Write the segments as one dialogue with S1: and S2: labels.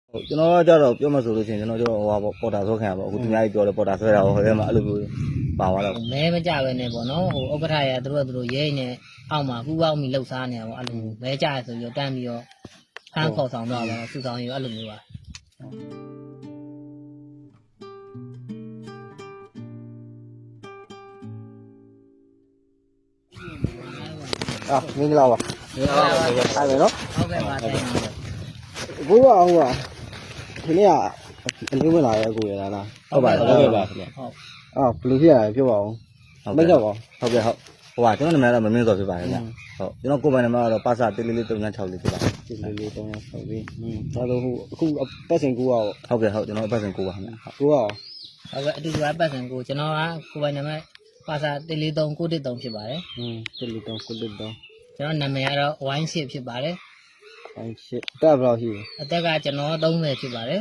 S1: ကျွန်တော်ကကြတော့ပြောမှဆိုလို့ရှိရင်ကျွန်တော်တို့ဟိုပေါ်တာဆွဲခံရပါအခုသူများကြီးပြောတယ်ပေါ်တာဆွဲတာဟိုထဲမှာအဲ့လိုမျိုးပါသွားတော့
S2: မဲမကြပဲနဲ့ပေါ့နော်ဟိုဥက္ကဋ္ဌရသူတို့ရဲနေအောက်မှာပူပေါင်းပြီးလှုပ်ရှားနေတာပေါ့အဲ့လိုမဲကြရဆိုပြီးတော့တန်းပြီးတော့ဖမ်းခေါ်ဆောင်တော့ပါစူဆောင်ရအဲ့လိုမျိုးပါ
S1: မင်္ဂလာပါအဲ့လေနော်
S2: ဟုတ်ကဲ့ပါတိုင်းပါ
S1: ဘိုးကဟိုကဒီနေ့ကအလေးဝင်လာရဲ့ကိုရလားဟုတ်ပါခင်ဗျဟုတ်
S2: ဟုတ်
S1: ဘယ်လိုဖြစ်ရလဲပြောပါဦးမိတ်တော့ပါဟုတ်ကဲ့ဟုတ်ဟိုကကျွန်တော်နာမည်ကတော့မင်းစောဖြစ်ပါတယ်ဗျဟုတ်ကျွန်တော်ကိုယ်ပိုင်နာမည်ကတော့ပါစာ14436လေးဖြစ်ပါတယ်14436လေးဒါတော့ဟိုအခုပတ်စင်ကိုကဟုတ်ကဲ့ဟုတ်ကျွန်တော်ပတ်စင်ကိုပါခင်ဗျကိုက
S2: ဟုတ်ကဲ့အတူတူအပတ်စံကိုကျွန်တော်ကကိုယ်ပိုင်နာမည်ပါစာ14393ဖြစ်ပါတယ်
S1: 14393
S2: ကျွန်တော်နာမည်ကတော့ဝိုင်းရှစ်ဖြစ်ပါတယ်
S1: ဝိုင်းရှစ်တက်ဘယ်လောက်ရှိလဲ
S2: အသက်ကကျွန်တော်30ဖြစ်ပါတယ်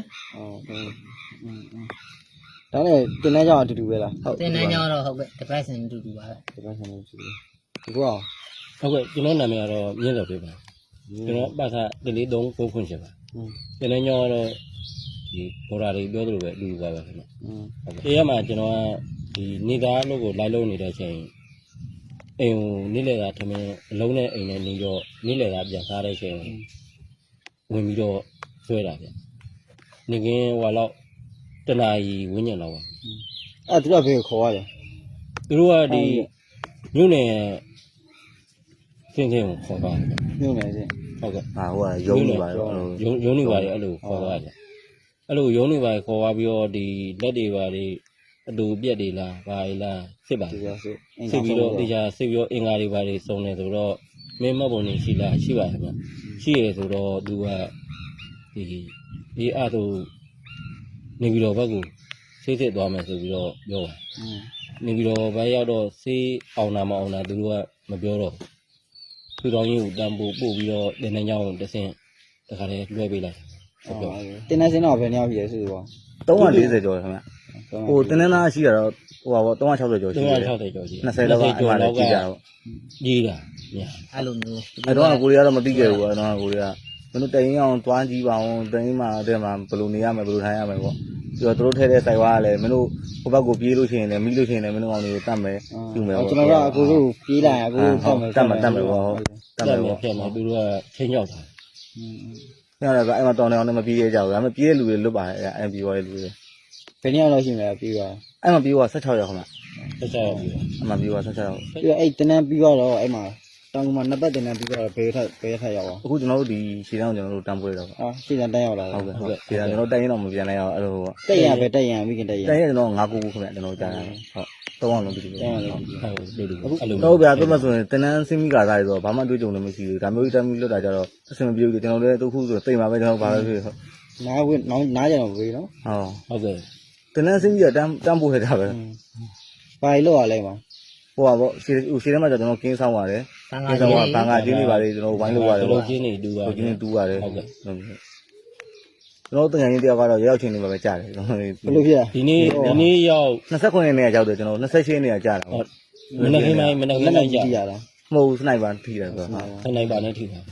S1: ဒါနဲ့တင်တန်းကြောင်အတူတူပဲလားဟုတ်
S2: တင်တန်းကြောင်တော့ဟုတ်ကဲ့တစ်ပတ်စံအတူတူပါပဲ
S1: တစ်ပတ်စံအတူတူဒီကော
S3: ဟုတ်ကဲ့ကျွန်တော်နာမည်ကတော့မြင့်တော်ဖြစ်ပါကျွန်တော်ပါစာ143ခွင့်ရှိပါတင်တန်းကြောင်ကတော့ဒီဘော်ဒါတွေပြောသလိုပဲအတူတူပါပဲခင်ဗျဟုတ်ကဲ့ရမှာကျွန်တော်ကဒီနေသားလို့ကိုလိုက်လုံးနေတဲ့အချိန်အိမ်ကိုနေ့လည်ကထမင်းအလုံးနဲ့အိမ်နဲ့နေတော့နေ့လည်ကပြန်စားတဲ့အချိန်ဝင်ပြီးတော့ဆွဲတာဗျနေကင်းဟိုလောက်တနာရီဝင်းညံတော့ပါ
S1: အဲ့သူကဘယ်ခေါ်ရတယ်
S3: သူတို့ကဒီမြို့နယ်စင်းစင်းကိုခေါ်ပါ
S1: မြို့နယ်စင်း
S3: ဟုတ်ကဲ့
S1: ဟာဟိုကရုံးနေပါရော
S3: ရုံးနေပါလေအဲ့လိုခေါ်ပါတယ်အဲ့လိုရုံးနေပါခေါ်သွားပြီးတော့ဒီလက်တွေပါလေအတူပြက်တွေလားဘာတွေလားစစ်ပါစစ်ပြီးတော့တရားစစ်ပြီးတော့အင်္ဂါတွေဘာတွေစုံနေဆိုတော့မင်းမတ်ပုံနေရှိလားရှိပါတယ်ဗျရှိရဆိုတော့သူကဒီအားသူနေပြီးတော့ဘက်ကိုဆေးစစ်သွားမယ်ဆိုပြီးတော့ပြောပါနေပြီးတော့ဘက်ရောက်တော့ဆေးအောင်တာမအောင်တာသူတို့ကမပြောတော့သူတော်ကြီးကိုတန်ပို့ပို့ပြီးတော့တင်းနှကြောင်းတဆင်းတခါတည်းလွှဲပေးလိုက်
S1: ဟုတ်ပြောတင်းနှစင်းတော့ဘယ်နှယောက်ရှိလဲဆိုတော့340ကျော်ခင်ဗျဟိုတင်းနှသားရှိရတော့ဟိုပါပေါ့360ကျော်ရှိတယ်
S3: 360ကျော်ရှိ
S1: 20လောက်ကအဲ့မှာလည်းကြီးကြတော့
S3: ကြီးတာ
S2: အဲ့လိုမျိုး
S1: အဲ့တော့ကိုရီးယားတော့မသိခဲ့ဘူးအဲ့တော့ကိုရီးယားမင်းတို့တိုင်အောင်တွားကြည့်ပါအောင်တိုင်မှာတဲ့မှာဘယ်လိုနေရမလဲဘယ်လိုထိုင်ရမလဲပေါ့ပြီးတော့တို့ထဲတဲ့စိုက်ဝါးကလည်းမင်းတို့ဟိုဘက်ကိုပြေးလို့ရှိရင်လည်းမိလို့ရှိရင်လည်းမင်းတို့အောင်တွေကိုတတ်မယ်ယူမယ်ပေါ့ကျွန်တော်ကအကိုတို့ပြေးလာရင်အကိုတို့ဖောက်မယ်တတ်မယ်ပေါ့ဟုတ်
S3: တတ်မယ်ဖြစ်မယ်သူတို့ကချင်းရောက်တာ
S1: ညတော့အဲ့မှာတောင်းတောင်းနဲ့မပြေးရကြဘူးဒါပေမဲ့ပြေးတဲ့လူတွေလွတ်ပါတယ်အဲ့အဲ့ပြေးသွားတဲ့လူတွေဘယ်နည်းလောက်ရှိမလဲပြေးသွားအဲ့မှာပြေးသွား16ရောက်ခမ
S3: 16ရောက်ပြီ
S1: အဲ့မှာပြေးသွား16ရောက်ပြီးတော့အဲ့တန်းပြီးတော့အဲ့မှာတောင်ကမှနှစ်ပတ်တင်တန်းပြီးတော့ဘယ်ထက်ရောက်အောင်အခုကျွန်တော်တို့ဒီရှည်တန်းကိုကျွန်တော်တို့တန်းပွဲတော့ရှည်တန်းတန်းရောက်လာဟုတ်ကဲ့ဟုတ်ကဲ့ရှည်တန်းကျွန်တော်တိုင်ရင်တော့မပြန်နိုင်အောင်အဲ့လိုပေါ့တက်ရပဲတက်ရမိခင်တက်ရတိုင်ရကျွန်တော်9ခုခုခင်ဗျကျွန်တော်ကြားရတယ်ဟုတ်3အောင်လုံးပြီးပြီ3အောင်လုံးပြီးပြီဟုတ်အဲ့လိုဟုတ်ဗျာပြတ်မှဆိုရင်တင်တန်းဆင်းမိကာသားတွေဆိုတော့ဘာမှတွေ့ကြုံလည်းမရှိဘူးဒါမျိုးတန်းပြီးလွတ်တာကြတော့အဆင်မပြေဘူးကျွန်တော်လည်းတခုဆိုတိတ်မှာပဲကျွန်တော်ဘာပဲဖြစ်ဟုတ်နားကြတော့ဝေးနော်
S3: ဟုတ်ကဲ့
S1: တင်တန်းဆင်းပြီးတော့တန်းပို့ရတာပဲဘာလို့ရလဲမှာဟိုပါပေါ့ရှည်ထဲမှာကျွန်တော်ကင်းဆောင်ပါတယ်ကင်းဆောင်ကဘန်ကအချင်းတွေပါလေကျွန်တော်ဝိုင်းလို့ရတယ်
S3: ပေါ့ကျင်းနေတူပါတယ်
S1: ကျင်းတူပါတယ်ဟုတ်ကဲ့ကျွန်တော်တန်ငယ်ချင်းတယောက်ကတော့ရောက်ချင်းနေမှာပဲကြားတယ်ကျွန်တော်ဘယ်လိုဖြစ်
S3: ဒီနေ့ရောက်
S1: 29ရက်နေ့ကရောက်တယ်ကျွန်တော်28ရက်နေ့ကကြားတာ
S3: ဟုတ်မနေ့ကမှ
S1: ရတာမဟုတ်စနိုက်ပါထိတယ်ဆိုတော့
S3: စနိုက်ပါနဲ့ထိတာ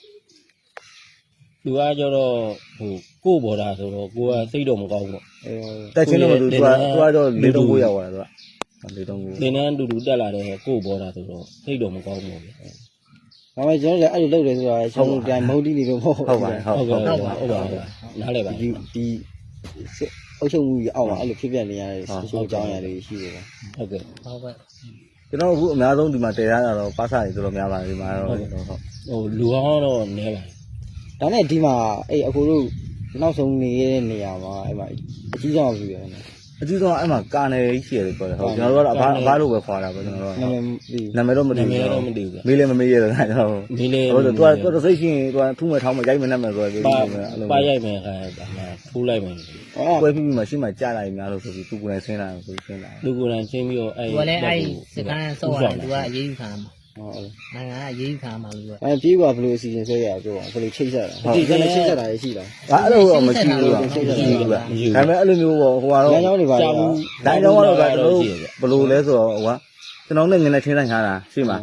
S3: သူကကျတော့ဟိုကို့ဘော်ဒါဆိုတော့ကိုကစိတ်တော့မကောင်းဘူးပေါ့
S1: တက်ချင်းတော့သူကတော့439ရောက်သွားတာသူက
S3: 439သင်တန်းတူတူတက်လာတဲ့ကို့ဘော်ဒါဆိုတော့စိတ်တော့မကောင်းဘူးဗျ
S1: ဒါပေမဲ့ကျွန်တော်လည်းအဲ့လိုလုပ်တယ်ဆိုတာချုံပြန်မုန်းတီးနေလို့မဟုတ်
S3: ပါဟုတ်ပါနားလဲပါ
S1: ဒီအုပ်ချုပ်မှုကြီးအောက်မှာအဲ့လိုဖြစ်ပြနေရတဲ့ချိုးကြောင်းရတယ်ရှိတယ်
S3: ဟုတ်ကဲ့
S2: ဟုတ်ကဲ့
S1: ကျွန်တော်အခုအများဆုံးဒီမှာတည်ရတာတော့ပါစာတွေတော်တော်များပါတယ်ဒီမှာတော့
S3: ဟိုလူဟောင်းတော့နည်းပါတယ်
S1: ဒါနဲ့ဒီမှာအဲ့အခုတို့နောက်ဆုံးနေတဲ့နေရာမှာအဲ့မှာအကြီးဆုံးပြရတယ်အကြီးဆုံးအဲ့မှာကာနယ်ကြီးရှိရတယ်ပြောတယ်ဟုတ်ကျွန်တော်တို့ကတော့အဘလို့ပဲခွာတာပေါ့ကျွန်တော်တို့နာမည်တော့မသိဘူးမေးလည်းမမေးရတော့ကျွန်တော်
S3: မေးလည်း
S1: ဟုတ်တယ်သူကစိတ်ရှိရင်သူကထူးမဲ့ထောင်းမဲ့ရိုက်မဲ့နဲ့မဲ့ဆိုတော့
S3: ပါရိုက်မယ်ခါထိုးလိုက်မယ်
S1: ပွဲပြီးမှရှိမှကြားလိုက်များလို့ဆိုပြီးသူကိုယ်တိုင်ဆင်းလာတယ်ဆိုပြီးဆင်းလာ
S3: သူကိုယ်တိုင်ဆင်းပြီးတော့
S2: အဲ့သူကလည်းအဲ့စကန်ဆော့ရတယ်သူကအရေးယူခံမှာဟုတ်နိုင်ငံကအရေးယူခံမှာလို့
S1: အဲ့ပြေးပါဘလို့အစီအစဉ်ဆွဲရပြောဘလို့ချိတ်ဆက်တာဒီကနေ့ချိတ်ဆက်တာရှိလားအဲ့လိုတော့မရှိဘူးလားချိတ်ဆက်တာမရှိဘူးဒါပေမဲ့အဲ့လိုမျိုးပေါ့ဟိုကတော့လမ်းကြောင်းတွေပါလမ်းကြောင်းကတော့ကျွန်တော်တို့ဘလို့လဲဆိုတော့ဟိုကကျွန်တော်နဲ့ငနေချင်းဆိုင်ထားတာရှိမှာ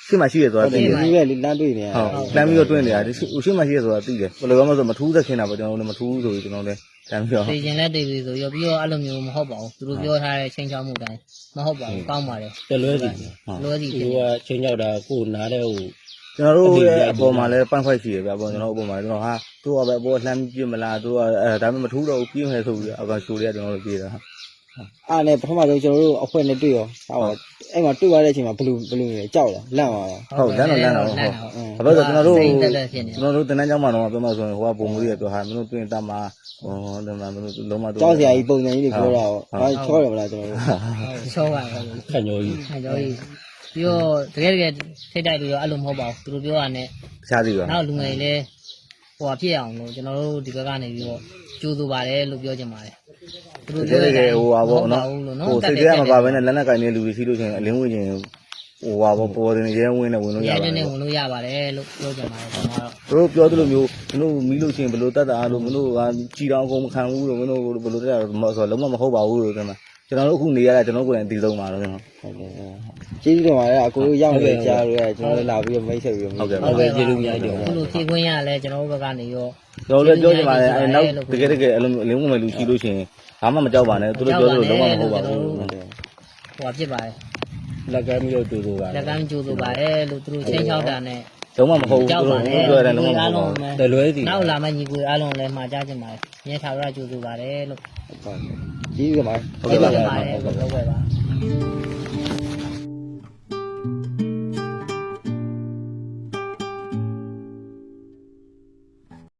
S1: ရှေ့မှာရှိရဆိုတာသိတယ်
S2: ရှေ့မှာ
S1: ဒီကလေလမ်းတွေ့နေဟုတ်လမ်းပြီးတော့တွင်းနေတာဒီရှေ့မှာရှိရဆိုတာသိတယ်ဘယ်လိုမှဆိုမထူးသက်ခင်တာပေါ့ကျွန်တော်တို့လည်းမထူးဆိုပြီးကျွန်တော်လည်းတမ်းပြီးတော့
S2: သိရင်လည်းသိပြီဆိုရောပြီးတော့အဲ့လိုမျိုးမဟုတ်ပါဘူးသူတို့ပြောထားတဲ့ချိန်ချောက်မှုတိုင်းမဟုတ်ပါဘူးကောင်းပါတယ်
S3: တလွဲစီ
S2: လွယ်စီ
S3: သူ
S2: ဖြစ်
S3: ကချင်းကြောက်တာကိုနားတဲ့ဟို
S1: ကျွန်တော်တို့ရဲ့အပေါ်မှာလည်းပန့်ခွက်ရှိရဗျအပေါ်ကျွန်တော်အပေါ်မှာကျွန်တော်ဟာသူကပဲအပေါ်လှမ်းပြစ်မလားသူကအဲဒါပေမဲ့မထူးတော့ဘူးပြင်းမယ်ဆိုပြီးအကောင်ရှိုးတွေကကျွန်တော်တို့ပြေးတာအားနဲ့ပထမဆုံးကျွန်တော်တို့အဖွဲနဲ့တွေ့ရောဟုတ်အဲ့မှာတွေ့ရတဲ့အချိန်မှာဘလူနေကြောက်လာလန့်သွားတာဟုတ်လန့်တော့ဟုတ်ဘာလို့ကျွန်တော်တို့တန်းကျောင်းမှာတော့ပြောမှဆိုရင်ဟိုကပုံမူကြီးပြောဟာမင်းတို့တွေ့တတ်မှာဟောဒီမှာမင်းတို့လုံးမကြောက်စရာကြီးပုံစံကြီးတွေပြောတာဟောဘာချောရမလားကျွန်တော်တို့
S2: ချောပါဘူး
S3: ခန့်ညောကြီး
S2: အဲကြောကြီးပြီးတော့တကယ်ထိတ်တိုက်လို့ရောအဲ့လိုမဟုတ်ပါဘူးသူတို့ပြောတာနဲ့တခြားစီပါနောက်လူငယ်လည်းဟိုဖြစ်အောင်လို့ကျွန်တော်တို့ဒီဘက်ကနေပြီးတော့ကြိုးစားပါတယ်လို့ပြောချင်ပါတယ်သူတို့ပြောတဲ့ဟိုပါပေါ့နော်ဟိုစိတ်ထဲမှာပါပဲနဲ့လက်နဲ့ကင်နေလူတွေရှိလို့ရှိရင်အလင်းဝင်ခြင်းဟိုပါပေါ့ပေါ်တင်ရဲဝင်နဲ့ဝင်လို့ရပါတယ်ရဲနဲ့ဝင်လို့ရပါတယ်လို့ပြောချင်ပါတယ်ကျွန်တော်တို့ပြောသလိုမျိုးမင်းတို့မီးလို့ရှိရင်ဘယ်လိုတတ်တာလို့မင်းတို့ကကြည်တောင်အကုန်မခံဘူးလို့မင်းတို့ဘယ်လိုတက်တာဆိုတော့လုံးဝမဟုတ်ပါဘူးလို့ကျွန်တော်တို့အခုနေရတာကျွန်တော်ကိုယ်တိုင်ဒီဆုံးပါတော့ကျွန်တော်ဟုတ်ကဲ့ကျေးဇူးတင်ပါတယ်အကိုတို့ရောက်နေကြားလို့ရကျွန်တော်တို့လာပြီးမိတ်ဆက်ပြီးဟုတ်ကဲ့ကျေးဇူးများတယ်အခုလိုဖြည့်ခွင့်ရလဲကျွန်တော်တို့ဘက်ကနေရောကျွန်တော်လည်းပြောချင်ပါတယ်အဲနောက်တကယ်အလုံးအလင်းဝင်မဲ့လူရှိလို့ရှိရင်ဘာမှမကြောက်ပါနဲ့သူတို့ပြောသလိုလုံးဝမဟုတ်ပါဘူးဟိုဖြစ်ပါတယ်
S3: လက်ကမ်းပြီးတော့တူတူပါ
S2: လက်ကမ်းကြိုးဆိုပါတယ်လို့သူတို့ချင်းချောက်တာနဲ့
S1: လုံးဝမဟုတ်ဘူးသူတို့ပြောရတယ်လုံးဝမဟုတ်ဘူး
S3: တလွဲစီ
S2: နောက်လာမယ့်ညီကိုအားလုံးလည်းမှာကြားချင်ပါတယ်မြဲထာဝရကြိုးဆိုပါတယ်လို့
S1: ကြီးရပါဟုတ်ကဲ့ပါဟုတ်ကဲ့ပါ